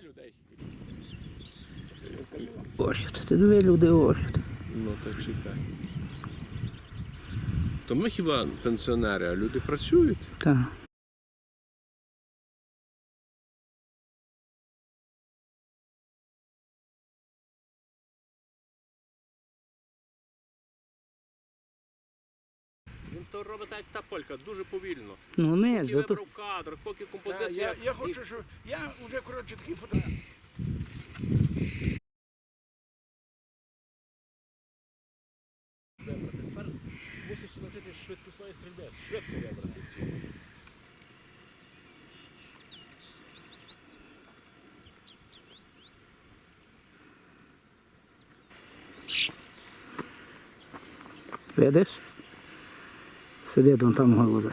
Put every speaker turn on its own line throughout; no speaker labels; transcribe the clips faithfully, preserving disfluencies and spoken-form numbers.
людей.
Орють, ти диви, люди орють.
Ну так чекай. То ми хіба пенсіонери, а люди працюють?
Так.
Він то робить так, як та полька, дуже повільно.
Ну не ж,
Поки
зато...
вибрав кадр, поки
Та,
композиція.
я, я хочу, щоб я вже коротше такий фотограф.
Тепер мусиш навчитися швидкісної стрільби, швидко вибрати цю.
Видиш? Сидить вон там голузи.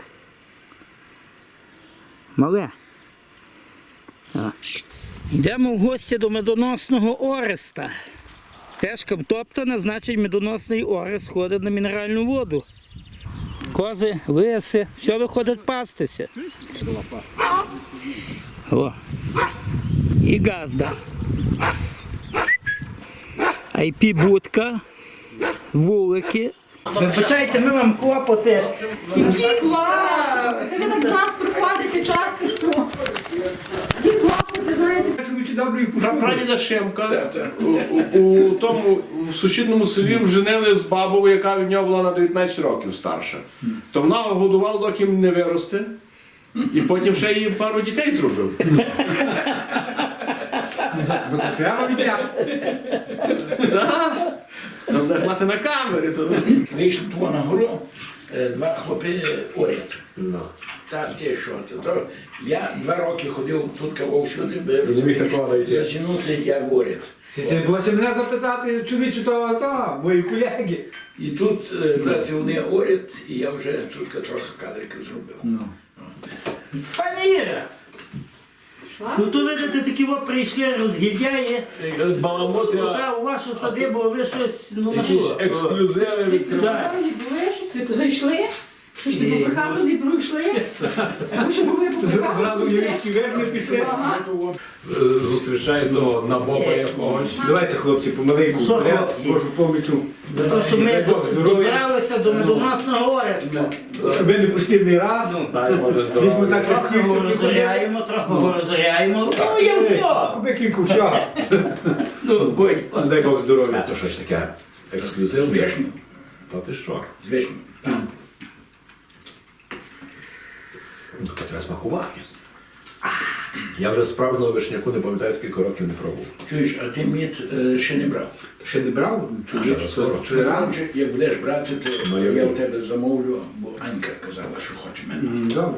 Мале. А. Йдемо в гості до медоносного Ореста. Тежка втоптана, значить медоносний Орест ходить на мінеральну воду. Кози, лиси, все виходить пастися. О. І газда. ай пі-будка, вулики. Вибачайте, ми вам клопоти.
Який клап! Ти ви так до нас приходите часто, що? Які клопоти, знаєте?
Прадіда Шимка у, у, у тому в сусідньому селі вженили з бабою, яка від нього була на дев'ятнадцять років старша. То вона годувала, доки не виросте, і потім ще їй пару дітей зробив.
Бо це треба відтягти.
Так. Треба мати на камері.
Вийшли того на гору, е, два хлопи орять. Та ти що, то, то я два роки ходив тут кого всюди, би затягнути, як орять.
Ти булося мене запитати, чоловічу, то, то, мої колеги.
І тут, е, брати, вони орять, і я вже тут трохи кадрики зробив.
Пані Іра, ну то видите, такі от прийшли розгільдяї.
Баламоти,
Та у вашу садибу ви щось, ну на
якісь
що?
ексклюзиви відкривають.
Ви були щось, типу, зайшли? Щось ти по прихату не пройшли? Тому що були по прихату.
Зразу єврейські верни пішли.
Зустрічає до набоба якогось.
Давайте, хлопці, помаленьку,
Що,
вперед,
хлопці?
Божу помічу.
За те, що ми
Дай Бог здоров'я.
добралися до медоносного Ореста.
Щоб не послідний раз. Візьмо так
Трохи
частіше.
його розоряємо, трохи його розоряємо. Ну, є все.
Кубикінку всього.
Ну, будь.
Дай Бог здоров'я.
То щось таке ексклюзивне.
З вишню.
Та ти що?
З вишню.
Ну, то треба смакувати. Я вже справжнього вишняку не пам'ятаю, скільки років не пробував.
Чуєш, а ти мід е, ще не брав?
Ще не брав?
ще раз скоро.
Чи рано?
Чи як будеш брати, то
Ну, я
я
вірю.
у тебе замовлю, бо Анька казала, що хоче мене.
М, Добре.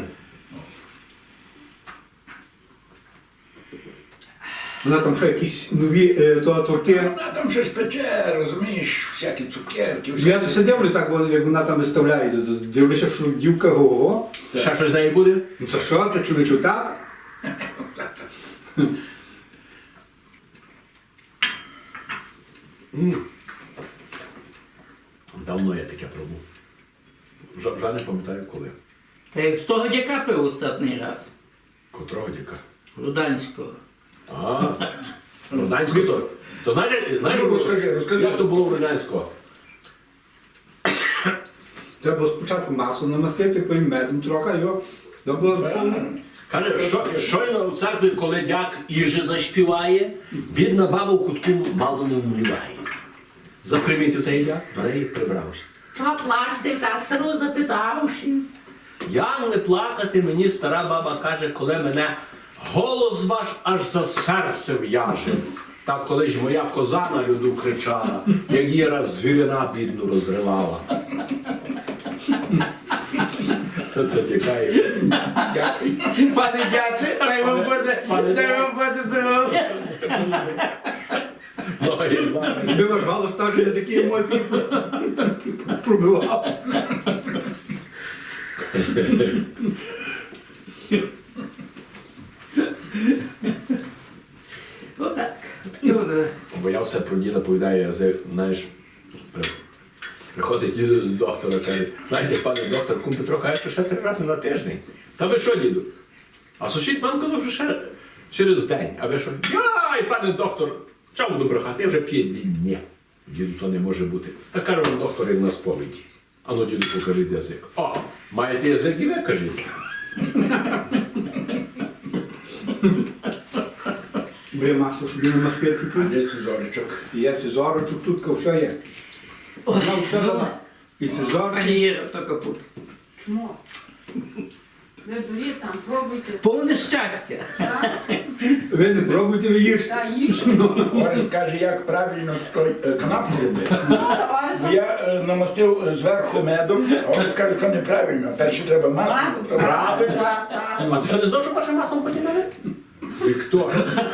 Вона там що, якісь нові е, то, торти?
Вона там щось пече, розумієш, всякі цукерки. всякі-
Я все дивлю так, бо як вона там виставляє, то- то дивлюся, що дівка го-го.
Ще щось з неї буде?
Ну це що, це чоловічу так?
Давно я таке пробував. Вже, вже не пам'ятаю коли.
Та як з того дяка пив останній раз.
Котрого діка.
Руданського.
А, Руданського то. То знаєте, знаєте,
Ну, розкажи, розкажи.
як то було в Руданського?
Треба було спочатку масло намастити, потім медом трохи, його. Треба було
Каже, що, щойно в церкві, коли дяк Іжи заспіває, бідна баба в кутку мало не вмліває. Запримітив той дяк, на неї прибрався. Та плачте, так стару запитавши. Як не плакати, мені стара баба каже, коли мене голос ваш аж за серце в'яже. Так коли ж моя коза на люду кричала, як її раз звірина бідну розривала. Що це тікає?
Пане дяче, дай вам Боже, дай вам Боже здоров'я.
Би ваш голос теж не такі емоції пробивав.
Отак.
Боявся про діда, повідає, знаєш, при- приходить діду до доктора, каже, знаєте, пане доктор, кум Петро каже, що ще три рази на тиждень. Та ви що, діду? А сусід мам казав, що ще Через день. А ви що? Яй, пане доктор, чому буду брехати? Я вже п'ять днів. Діду, то не може бути. Та каже вам доктор, як на сповіді. Ану, діду, покажіть язик. О, маєте язик і ви кажіть.
Бери масло собі на маски чуть-чуть.
Де це зоричок?
І є цезорочок, тут все є. Вона все дала. І цезорчик.
Пані Іра, то капут.
Чмо? Ви беріть там, пробуйте.
Повне щастя.
Ви не пробуйте, ви їжте.
Та їж.
Орест каже, як правильно той е, канапку робити.
Ну, то Орест
Бо я е, намастив е, зверху медом, а Орест каже, що неправильно. Перше треба масло.
Масло.
потім-
Правильно.
Так, так.
А ти що не знав, що першим маслом потягнули? Віктор.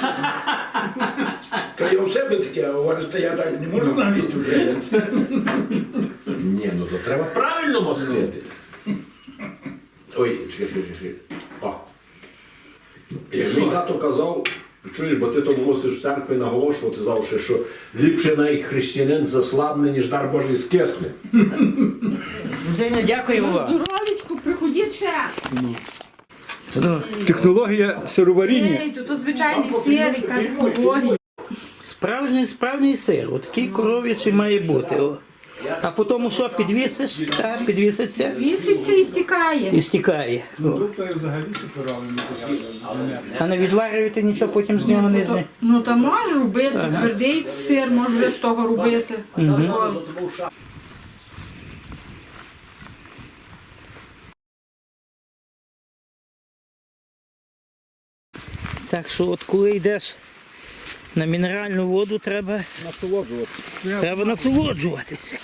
То я у себе таке, а у Ореста я так не можу нагріти вже.
Ні, ну то треба правильно маслити. Ой, чекай, чекай, чекай. О. Як мій тато казав, чуєш, бо ти тому мусиш в церкві наголошувати завжди, що ліпше навіть християнин заслабне, ніж дар Божий скисне.
Деня, дякую вам.
Здоровічку, приходіть ще.
Технологія сироваріння.
Ей, то, то звичайний сир, яка технологія.
Справжній, справжній сир. Отакий коров'ячий має бути. О. А потім що, підвісиш, та, підвіситься
Віситься і стікає.
і стікає. О.
Тобто взагалі суперовий.
А не відварюєте нічого, потім з нього не зне.
Ну, та можеш робити, твердий сир можеш вже з того робити. Що?
Так що от коли йдеш на мінеральну воду, треба,
Насолоджуватися.
треба насолоджуватися.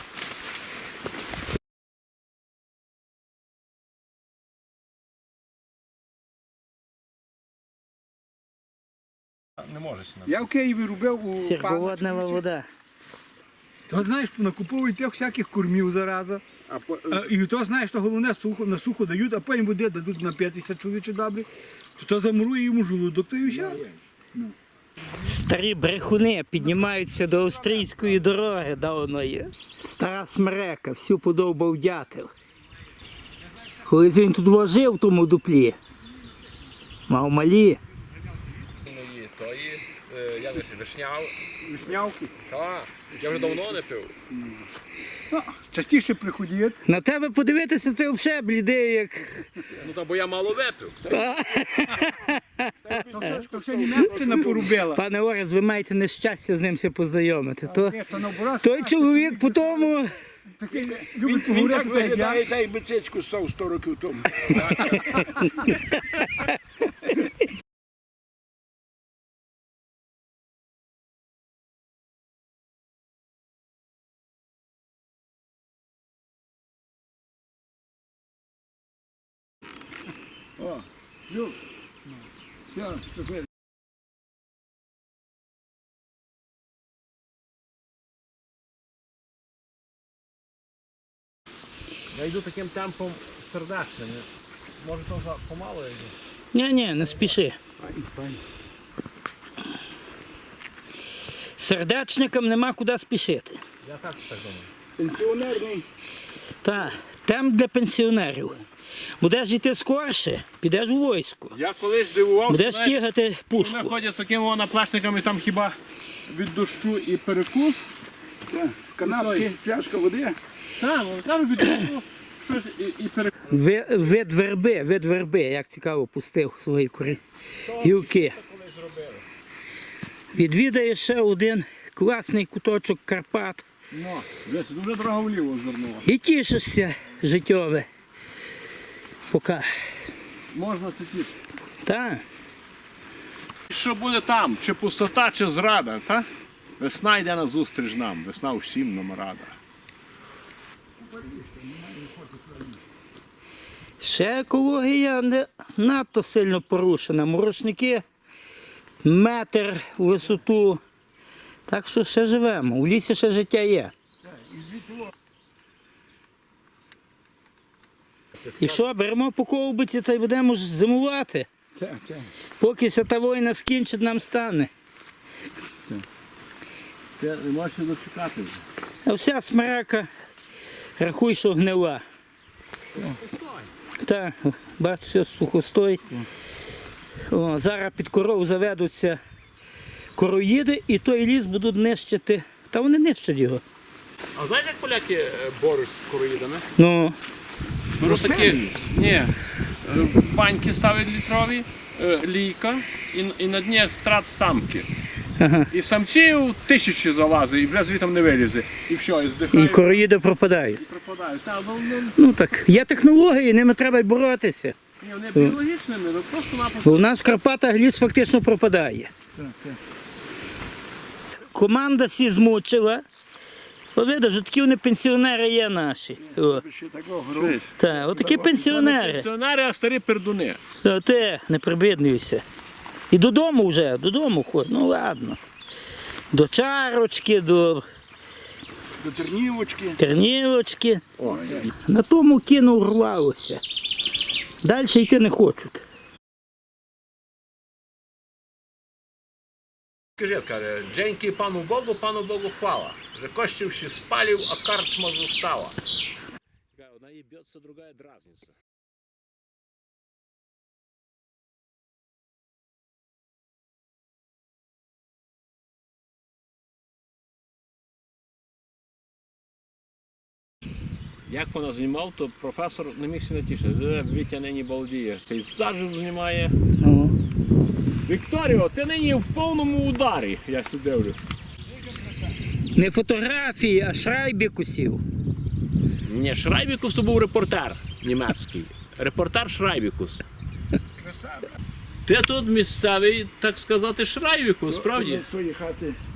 Я в Києві робив у
Сірководнева вода.
То знаєш, накуповують тих всяких кормів зараза. А, і то знаєш, то головне сухо, на сухо дають, а потім води дадуть на п'ятдесят чоловічі добрі. То, то замурує йому желудок, то і все.
Старі брехуни піднімаються до австрійської дороги давної. Стара смерека, всю подовбав дятел. Колись він тут жив в тому дуплі. Мав малі.
Тої, е, я не знаю, вишняв.
Вишнявки.
Так, я вже давно не пив.
Ну, частіше приходять.
На тебе подивитися, ти взагалі блідий, як.
Ну та бо я мало випив.
То ще Німеччина порубила.
Пане Орес, ви маєте нещастя з ним все познайомити. То,
Ні, то наоборот,
той чоловік по тому.
такий любить поговорити, так як я.
та й бицицьку ссав сто років тому.
О, Люк. Все, тепер.
Я йду таким темпом сердечним. Може то за помало я йду?
Ні, ні, не спіши. Сердечникам нема куди спішити.
Я так так думаю.
Пенсіонерний.
Так, там для пенсіонерів. Будеш йти скорше, підеш у військо.
Я колись дивувався,
Будеш
знаєш,
тягати
вони
пушку.
ходять з такими наплечниками, там хіба від дощу і перекус.
Канапки, пляшка води.
Так, ну там від дощу щось і, і перекус.
Ви- Вид верби, вид верби, як цікаво, пустив свої курі. Гілки. Відвідає ще один класний куточок Карпат.
Ну, десь дуже дорого вліво звернуло.
І тішишся життєве. Поки.
Можна цитити.
Так.
Що буде там? Чи пустота, чи зрада, та? Весна йде назустріч нам, весна всім нам рада.
Ще екологія не надто сильно порушена. Мурашники метр у висоту. Так що ще живемо. У лісі ще життя є. І що, беремо по ковбиці та й будемо ж зимувати.
Так, так.
Поки ся та війна скінчить, нам стане.
Ти не можеш дочекати вже.
А вся смерека, рахуй, що гнила. Так, бачиш, все сухостой. О, зараз під коров заведуться короїди і той ліс будуть нищити. Та вони нищать його.
А знаєш, як поляки е, борють з короїдами?
Ну,
Беруть такі, ні, е, баньки ставлять літрові, е, лійка, і, і на дні страт самки.
ага.
І самців тисячі залазить, і вже звітом не вилізе. І все, і
І
здихають,
короїди пропадають.
і пропадають. Та, ну, ну,
Ну так, є технології, ними треба й боротися.
ні, вони біологічними, ну просто-напросто.
Бо у нас в Карпатах ліс фактично пропадає. Команда всі змучила. От видиш, вже такі вони пенсіонери є наші. О. Так, от такі пенсіонери.
Пенсіонери, а старі пердуни.
О, ти, не прибіднюйся. І додому вже, додому ходь, ну ладно. До чарочки, до
До тернівочки.
тернівочки. На тому кіно урвалося. Далі йти не хочуть.
Скажи, каже, дзеньки пану Богу, пану Богу хвала. Że kościół się spalił, a karczma została. Одна ебется, другая дразнится. Як вона знімав, то професор не міг себе натішити. Вітя нині балдіє. Пейзажів знімає.
Ну.
Вікторіо, ти нині в повному ударі, я сюди дивлю.
Не фотографії, а шрайбікусів.
Ні, Шрайбікус то був репортер німецький. Репортер Шрайбікус. Ти тут місцевий, так сказати, Шрайбікус, справді?
З тої хати